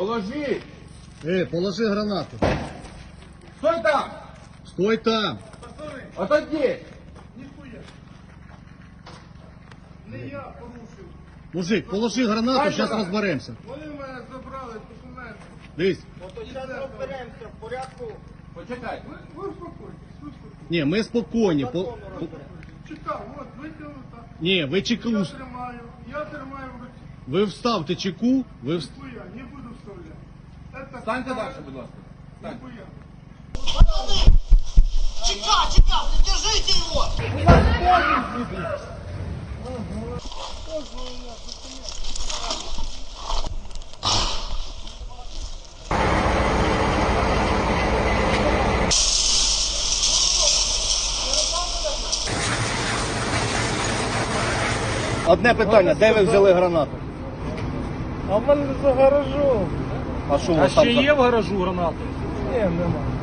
Положи! Положи гранату. Стой там! Стой там. Отойди! Ніхуя. Не я порушив. Мужик, положи гранату, зараз давай. розберемося. Вони в мене забрали документи. Дивись. Зараз розберемося в порядку. Почекай. Ви успокойтесь, успокойтесь. Ні, ми спокійні. Чекав, от, витягнув так. Ні, ви чеку. Я тримаю в руці. Ви вставте чеку, ви Ніхуя, не буду вставляти. Это Станьте далі, будь ласка. Стань. Ніхуя. Чека, держите его! Одне питання, де ви взяли гранату? А в мене за гаражом. А що у А вас там? ще є в гаражу гранати? Ні, нема.